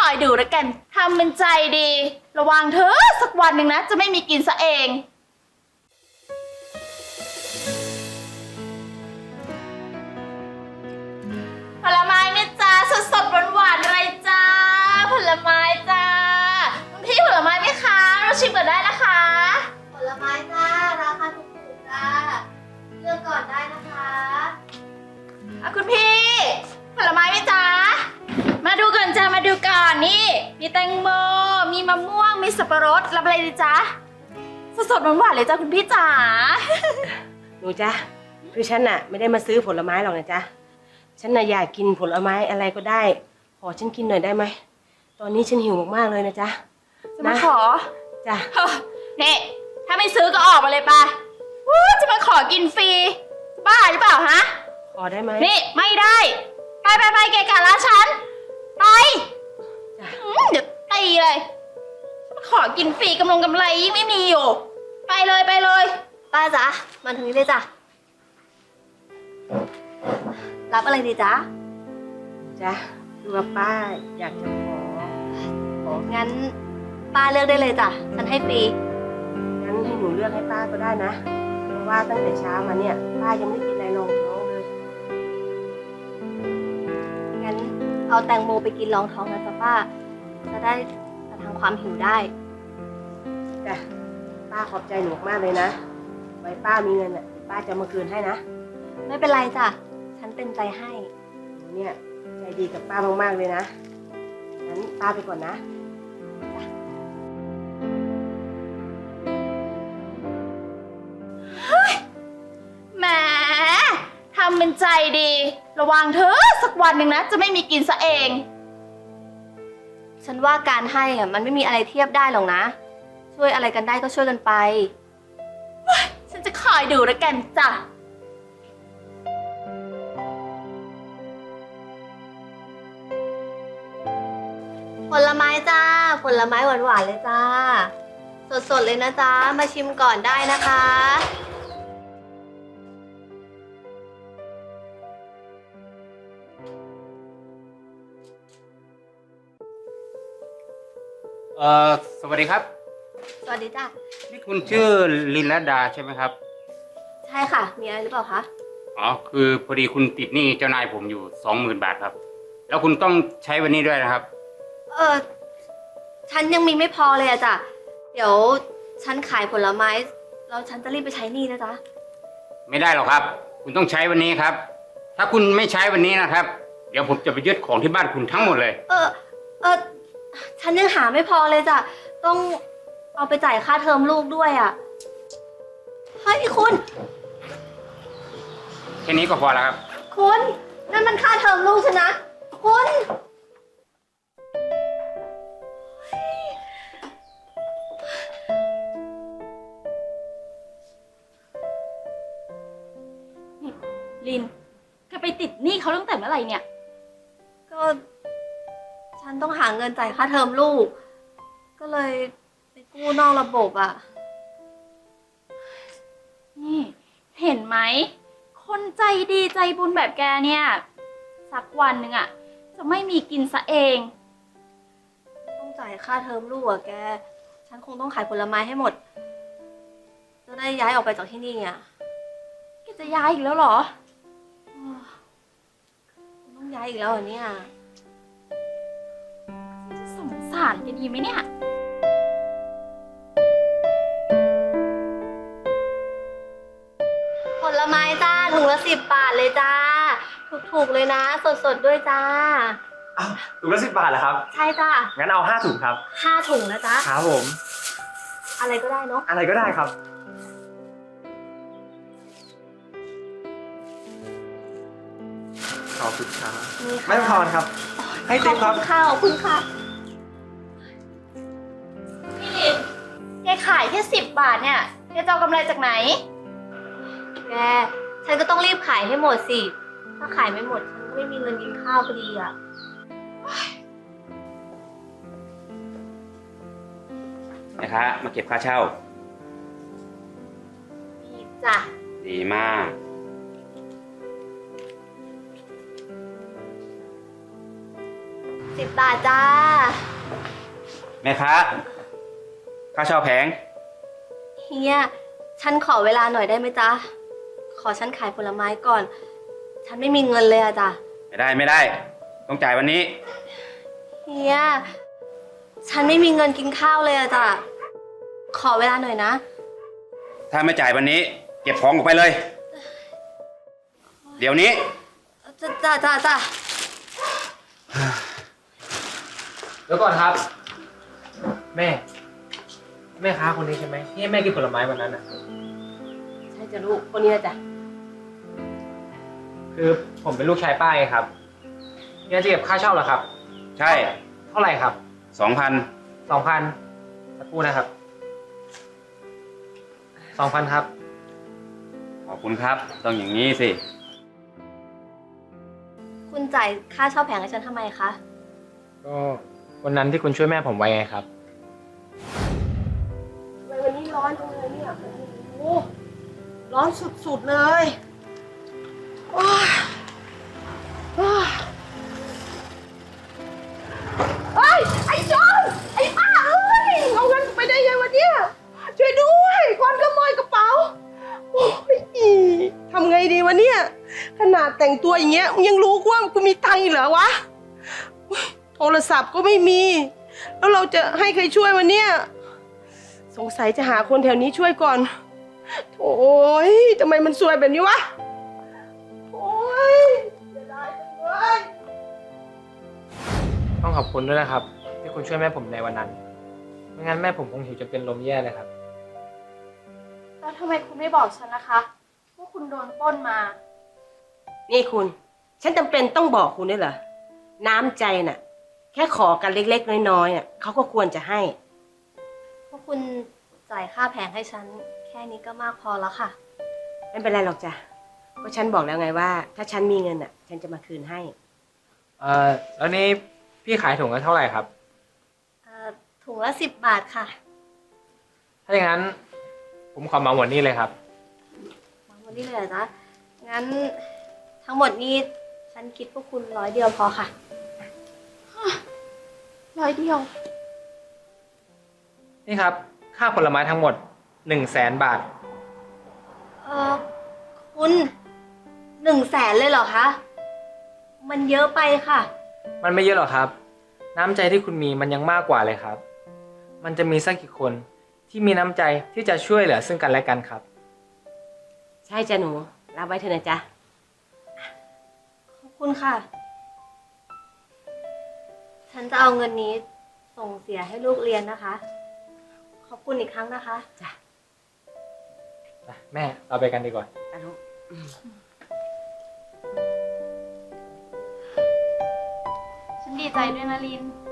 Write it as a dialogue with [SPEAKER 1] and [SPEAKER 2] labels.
[SPEAKER 1] อยดูแล้วกันทำเป็นใจดี ระวังเธอสักวันหนึ่งนะจะไม่มีกินซะเองผลไม้ไหมจ้าสดๆหวานๆอะไรจ้าผลไม้จ้าคุณพี่ผลไม้ไหมคะเราชิมก่อนได้นะคะ
[SPEAKER 2] ผลไม้จ้าราคาถูกๆจ้าเลือกก่อนได้นะคะ
[SPEAKER 1] คุณพี่ผลไม้ไหมจ้ามาดูก่อนจ้ามาดูก่อนนี่มีแตงโมมีมะม่วงมีสับปะรดรับอะไรดีจ้าสดๆหวานๆเลยจ้าคุณพี่จ๋า
[SPEAKER 3] หนูจ๊ะคือฉันน่ะไม่ได้มาซื้อผลไม้หรอกนะจ๊ะฉันน่ะอยากกินผลไม้อะไรก็ได้ขอฉันกินหน่อยได้ไหมตอนนี้ฉันหิวมากๆเลยนะจ๊ะ
[SPEAKER 1] จะมาขอ
[SPEAKER 3] จ้ะ
[SPEAKER 1] นี่ถ้าไม่ซื้อก็ออกมาเลยไปจะมาขอกินฟรีบ้าหรือเปล่าฮะ
[SPEAKER 3] ขอได้ไหม
[SPEAKER 1] นี่ไม่ได้ไปเกะกะร้านฉันไปเดี๋ยวตีเลยมาขอกินฟรีกำไรยิ่งไม่มีอยู่ไปเลย
[SPEAKER 2] ป้าจ๊ะมาถึงนี้เลยจ้ะรับอะไรดีจ๊ะ
[SPEAKER 3] จ๊ะคือว่าป้าอยากจะขอ
[SPEAKER 2] งั้นป้าเลือกได้เลยจ้ะฉันให้ฟรี
[SPEAKER 3] งั้นให้หนูเลือกให้ป้าก็ได้นะเพราะว่าตั้งแต่เช้ามาเนี่ยป้ายังไม่กินอะไรรองท้องเลย
[SPEAKER 2] งั้นเอาแตงโมไปกินรองท้องนะจ๊ะป้าจะได้ประทังความหิวได้
[SPEAKER 3] จ้ะป้าขอบใจหนูมากเลยนะไว้ป้ามีเงินอ่ะป้าจะมาคืนให้นะ
[SPEAKER 2] ไม่เป็นไรจ้ะฉันเต็มใจให้
[SPEAKER 3] หนูเนี่ยใจดีกับป้ามากๆเลยนะงั้นป้าไปก่อนนะ
[SPEAKER 1] แหมทำเป็นใจดีระวังเธอสักวันหนึ่งนะจะไม่มีกินซะเอง
[SPEAKER 2] ฉันว่าการให้อ่ะมันไม่มีอะไรเทียบได้หรอกนะช่วยอะไรกันได้ก็ช่วยกันไป
[SPEAKER 1] ฉันจะคอยดูแล้วกันจ้ะ
[SPEAKER 2] ผลไม้จ้าผลไม้หวานๆเลยจ้าสดๆเลยนะจ๊ะมาชิมก่อนได้นะคะ
[SPEAKER 4] สวัสดีครับ
[SPEAKER 2] สวัสดีจ้า
[SPEAKER 4] นี่คุณชื่อลินลดาใช่ไหมครับ
[SPEAKER 2] ใช่ค่ะมีอะไรหรือเปล่าคะ
[SPEAKER 4] อ๋อคือพอดีคุณติดหนี้เจ้านายผมอยู่20,000 บาทครับแล้วคุณต้องใช้วันนี้ด้วยนะครับ
[SPEAKER 2] ฉันยังมีไม่พอเลยอะจ้ะเดี๋ยวฉันขายผลไม้แล้วฉันจะรีบไปใช้หนี้นะจ๊ะ
[SPEAKER 4] ไม่ได้หรอกครับคุณต้องใช้วันนี้ครับถ้าคุณไม่ใช้วันนี้นะครับเดี๋ยวผมจะไปยึดของที่บ้านคุณทั้งหมดเลย
[SPEAKER 2] ฉันยังหาไม่พอเลยจ้ะต้องเอาไปจ่ายค่าเทอมลูกด้วยอะเฮ้ยคุณ
[SPEAKER 4] แค่นี้ก็พอแล้วครับ
[SPEAKER 2] คุณนั่นมันค่าเทอมลูกฉันนะคุณ
[SPEAKER 1] ลินแกไปติดหนี้เขาตั้งแต่เมื่อไหร่เนี่ย
[SPEAKER 2] ก็ฉันต้องหาเงินจ่ายค่าเทอมลูกก็เลยไปกู้นอกระบบอ่ะ
[SPEAKER 1] นี่เห็นไหมคนใจดีใจบุญแบบแกเนี่ยสักวันหนึ่งอ่ะจะไม่มีกินซะเอง
[SPEAKER 2] ต้องจ่ายค่าเทอมลูกอ่ะแกฉันคงต้องขายผลไม้ให้หมดจะได้ย้ายออกไปจากที่นี่อ่ะ
[SPEAKER 1] แกจะย้ายอีกแล้วเหรอ
[SPEAKER 2] ต้องย้ายอีกแล้วเหรอเนี่ย
[SPEAKER 1] สงสารแกดีไหมเนี่ย
[SPEAKER 2] ผลไม้จ้าถุงละ10 บาทเลยจ้าถูกๆเลยนะสดๆด้วยจ้า
[SPEAKER 5] ถุงละ10 บาทเหรอครับ
[SPEAKER 2] ใช่จ้า
[SPEAKER 5] งั้นเอา5 ถุงครับ
[SPEAKER 2] 5 ถุงนะจ๊ะ
[SPEAKER 5] ครับผม
[SPEAKER 2] อะไรก็ได้เนาะ
[SPEAKER 5] อะไรก็ได้ครับขอบคุณครับไม่พอครับให้ติ๊บครับ
[SPEAKER 2] ขอบคุณค่ะ
[SPEAKER 1] พี่ลินแกขายแค่10 บาทเนี่ยแกจะเอากำไรจากไหน
[SPEAKER 2] แกฉันก็ต้องรีบขายให้หมดสิถ้าขายไม่หมดฉันก็ไม่มีเงินกินข้าวพอดีอ่ะ
[SPEAKER 4] นะคะมาเก็บค่าเช่า
[SPEAKER 2] ดีจ้ะ
[SPEAKER 4] ดีมาก
[SPEAKER 2] 10 บาทจ้า
[SPEAKER 6] แม่ค้าค่าเช่าแผง
[SPEAKER 2] เฮีย ฉันขอเวลาหน่อยได้ไหมจ๊ะ ขอฉันขายผลไม้ก่อน ฉันไม่มีเงินเลยอะจ้ะ
[SPEAKER 6] ไม่ได้ ต้องจ่ายวันนี้
[SPEAKER 2] เฮีย ฉันไม่มีเงินกินข้าวเลยอะจ้ะ ขอเวลาหน่อยนะ
[SPEAKER 6] ถ้าไม่จ่ายวันนี้ เก็บของออกไปเลย เดี๋ยวนี้
[SPEAKER 2] จ้ะ
[SPEAKER 5] เดี๋ยวก่อนครับ แม่ค้าคนนี้ใช่ไหมที่ให้แม่กินผลไม้วันนั้นอ่ะ
[SPEAKER 3] ใช่จ้ะลูกคนนี้นะจ้ะ
[SPEAKER 5] คือผมเป็นลูกชายป้าไงครับเนี่ยจะเก็บค่าเช่าเหรอครับ
[SPEAKER 6] ใช่
[SPEAKER 5] เท่าไหร่ครับ
[SPEAKER 6] 2,000
[SPEAKER 5] 2,000สักครู่นะครับ 2,000 ครับ
[SPEAKER 6] ขอบคุณครับ ต้องอย่างนี้สิ
[SPEAKER 2] คุณจ่ายค่าเช่าแผงให้ฉันทำไมคะ
[SPEAKER 5] ก็วันนั้นที่คุณช่วยแม่ผมไว้ไงครับ
[SPEAKER 3] ทำไมวันนี้ร้อนจังเลยเนี่ยโอ้โหร้อนสุดๆเลยโอ้ยโอ้ยเฮ้ยไอ้โจรไอ้ป้าเอ้ยเอาเงินไปได้ยังวะเนี่ยช่วยด้วยคนขโมยกระเป๋าโอ้ยทำไงดีวะเนี่ยขนาดแต่งตัวอย่างเงี้ยมึงยังรู้ว่ากูมีตังค์อีกเหรอวะโอ๊ยโทรศัพท์ก็ไม่มี แล้วเราจะให้ใครช่วยวะเนี่ยสงสัยจะหาคนแถวนี้ช่วยก่อนโอ้ยทำไมมันซวยแบบนี้วะโอ้ยจะได้จังเลย
[SPEAKER 5] ต้องขอบคุณด้วยนะครับ ที่คุณช่วยแม่ผมในวันนั้น ไม่งั้นแม่ผมคงหิวจนเป็นลมแย่เลยครับ
[SPEAKER 1] แล้วทำไมคุณไม่บอกฉันนะคะว่าคุณโดนปล้นมา
[SPEAKER 3] นี่คุณ ฉันจำเป็นต้องบอกคุณด้วยเหรอ น้ำใจน่ะ แค่ขอกันเล็กๆน้อยๆน่ะเขาก็ควรจะให้
[SPEAKER 2] พวกคุณจ่ายค่าแผงให้ฉัน แค่นี้ก็มากพอแล้วค่ะ
[SPEAKER 3] ไม่เป็นไรหรอกจ้ะก็ฉันบอกแล้วไงว่า ถ้าฉันมีเงินน่ะ ฉันจะมาคืนให้
[SPEAKER 5] แล้วนี่พี่ขายถุงละเท่าไหร่ครับ
[SPEAKER 2] ถุงละ 10 บาทค่ะ
[SPEAKER 5] ถ้าอย่างนั้นผมขอเหมาหมดนี่เลยครับ
[SPEAKER 2] มาหมดนี่เลยเหรอจ๊ะ งั้นทั้งหมดนี้ฉันคิดพวกคุณ100 เดียวพอค่ะ
[SPEAKER 1] 100 เดียว
[SPEAKER 5] นี่ครับ ค่าผลไม้ทั้งหมด 100,000 บาท
[SPEAKER 2] คุณ100,000เลยเหรอคะ มันเยอะไปค่ะ
[SPEAKER 5] มันไม่เยอะหรอกครับ น้ำใจที่คุณมีมันยังมากกว่าเลยครับ มันจะมีสักกี่คนที่มีน้ำใจที่จะช่วยเหลือซึ่งกันและกันครับ
[SPEAKER 3] ใช่จ้ะหนูรับไว้เถอะนะจ๊ะ
[SPEAKER 2] ขอบคุณค่ะ ฉันจะเอาเงินนี้ส่งเสียให้ลูกเรียนนะคะ ขอบคุณอีกครั้งนะคะ
[SPEAKER 5] แม่เราไปกันดีกว่า
[SPEAKER 3] ไปลูก
[SPEAKER 1] ฉันดีใจด้วยนะลิน